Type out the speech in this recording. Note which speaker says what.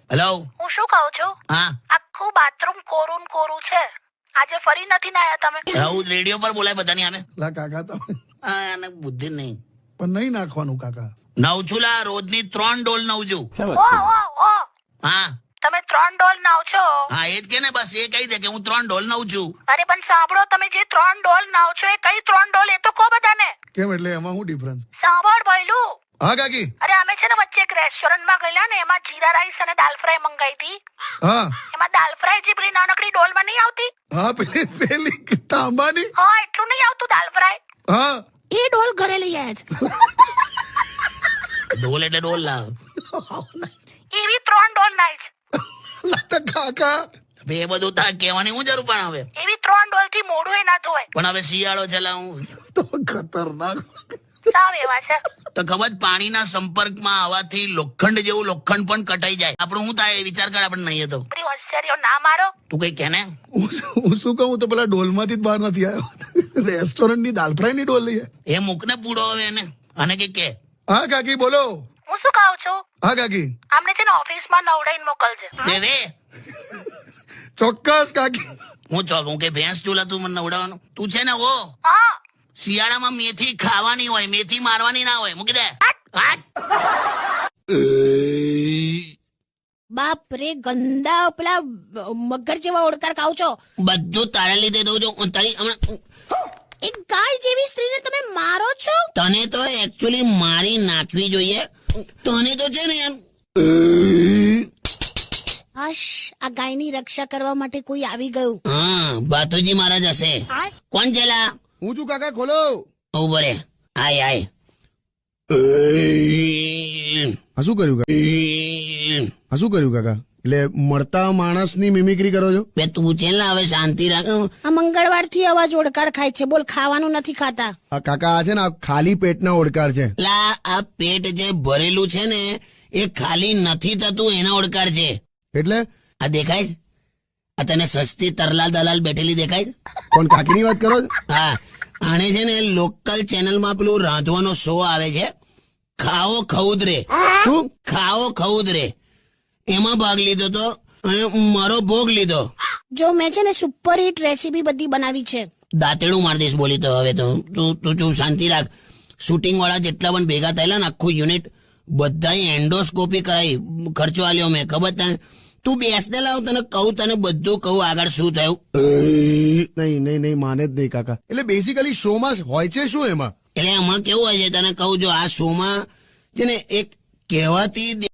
Speaker 1: Hello,
Speaker 2: હું શું કહું છું,
Speaker 1: હા
Speaker 2: આખું બાથરૂમ કોરું ને કોરું છે. આજે ફરી નથી નાયા તમે?
Speaker 1: હું રેડિયો પર બોલાય બધાની આને.
Speaker 3: લા કાકા તમે
Speaker 1: હા, આને બુદ્ધિ નહીં.
Speaker 3: પણ નહીં નાખવાનું કાકા.
Speaker 1: નવ છું લા, રોજની 3 ડોલ નવ છું.
Speaker 2: ઓ
Speaker 1: હા
Speaker 2: તમે 3 ડોલ નાવ છો?
Speaker 1: હા, એ જ કે ને, બસ એ કહી દે કે હું 3 ડોલ નવ છું.
Speaker 2: અરે પણ સાંભળો, તમે જે 3 ડોલ નાવ છો એ કઈ 3 ડોલ એ તો કહો બધાને.
Speaker 3: કેમ એટલે એમાં શું ડિફરન્સ?
Speaker 2: સાંભળ ભઈલું.
Speaker 3: હા કાકી.
Speaker 2: અરે અમે છે ને વચ્ચે એક રેસ્ટોરન્ટમાં ગયેલા ને, એમાં જીરા રાઈસ અને દાલ ફ્રાય મંગાઈ હતી.
Speaker 3: હા
Speaker 2: એમાં દાલ ફ્રાય જે પેલી નાનકડી ડોલમાં નહીં આવતી,
Speaker 3: હા પેલી તાંબાની.
Speaker 2: હા એટલું નહીં આવતું દાલ ફ્રાય,
Speaker 3: હા
Speaker 2: એ ડોલ ઘરે લઈ આવ્યા છે.
Speaker 1: ડોલ એટલે ડોલ લાવ.
Speaker 2: એવી 3 ડોલ નાઈ છે.
Speaker 3: લા તો કાકા
Speaker 1: હવે એ બધું તાર કહેવાની હું જરૂર પણ હવે.
Speaker 2: એવી 3 ડોલ થી મોઢું એ ના ધોવાય.
Speaker 1: પણ હવે શિયાળો છે લા, હું
Speaker 3: તો ખતરનાક.
Speaker 2: સાવ એવા છે.
Speaker 1: તો ખબર જ, પાણીના સંપર્કમાં આવવાથી લોખંડ જેવું લોખંડ પણ કટાઈ જાય. આપણું શું થાય એ વિચાર કર, આપણે નહીં તો.
Speaker 2: બધી હોશિયારીઓ ના મારો.
Speaker 1: તું કઈ કે ને.
Speaker 3: હું શું કહું, તો પેલા ડોલમાંથી જ બહાર નથી આવ્યો. રેસ્ટોરન્ટની દાલ ફ્રાય ની ડોલ લઈએ.
Speaker 1: એ મૂકને પૂડો હવે એને, અને કે
Speaker 3: હા કાકી બોલો.
Speaker 2: હું શું કહું છું,
Speaker 3: હા કાકી.
Speaker 2: આમને છે ને ઓફિસમાં નવડાઈને મોકલજે.
Speaker 1: રે
Speaker 3: ચોક્કસ કાકી.
Speaker 1: હું ચોક, હું કે ભેંસ ચૂલા તું મને નવડાવવાનું. તું છે ને ઓ
Speaker 2: હા
Speaker 1: શિયાળામાં મેથી ખાવાની હોય, મેથી મારવાની ના હોય. મૂકી દે. હાટ.
Speaker 4: બાપ રે, ગંદા પેલા મગર જેવા ઓડકાર ખાવ છો.
Speaker 1: બધું તારા લીધે દઉં છું. તારી હમણાં
Speaker 4: એક ગાય જેવી સ્ત્રીને તમે મારો છો.
Speaker 1: તને તો એકચ્યુઅલી મારી નાખવી જોઈએ. તને તો છે ને એમ.
Speaker 4: હશ, આ ગાયની રક્ષા કરવા માટે કોઈ આવી ગયું.
Speaker 1: હા, બાતુજી મહારાજ હશે. કોણ છે લા?
Speaker 3: હું છું કાકા, ખોલો.
Speaker 1: ઉભો રે. આય આય.
Speaker 3: આ શું કર્યું કાકા? એટલે મળતા માણસની મિમિક્રી કરો છો?
Speaker 1: બે તું છે ને હવે શાંતિ રાખ.
Speaker 4: આ મંગળવારથી અવાજ ઓડકાર ખાય છે. બોલ, ખાવાનું નથી ખાતા.
Speaker 3: આ કાકા આ છે ને, આ ખાલી પેટના ઓડકાર છે.
Speaker 1: લા, આ પેટ જે ભરેલું છે ને એ ખાલી નથી થતું, એના ઓડકાર છે.
Speaker 3: એટલે
Speaker 1: આ દેખાય છે? આ તને સસ્તી તરલાલ દલાલ બેઠેલી દેખાય છે?
Speaker 3: કોણ, કાકીની વાત કરો છો?
Speaker 1: હા, આને છે ને લોકલ ચેનલમાં પેલું રાંધવાનો શો આવે છે, ખાઓ ખઉદરે.
Speaker 3: શું?
Speaker 1: ખાઓ ખઉદરે, એમાં ભાગ લીધો તો અને મારો ભોગ લીધો.
Speaker 4: જો મેં છે ને સુપર હિટ રેસીપી બધી બનાવી છે.
Speaker 1: દાંતેડું મારી દઈશ બોલી તો. હવે તો તું શાંતિ રાખ. શૂટિંગ વાળા જેટલા પણ ભેગા થયેલા ને આખું યુનિટ, બધાએ એન્ડોસ્કોપી કરાવી, ખર્ચો આલ્યો મેં. ખબર તને? તું બેસને લાવ, તને કહું, તને બધું કહું આગળ શું થયું.
Speaker 3: નહીં માને જ નહીં કાકા. એટલે બેસિકલી શોમાં હોય છે શું એમાં?
Speaker 1: એટલે હમણાં કેવું હોય છે તને કહું, જો આ શોમાં છે ને એક કહેવાતી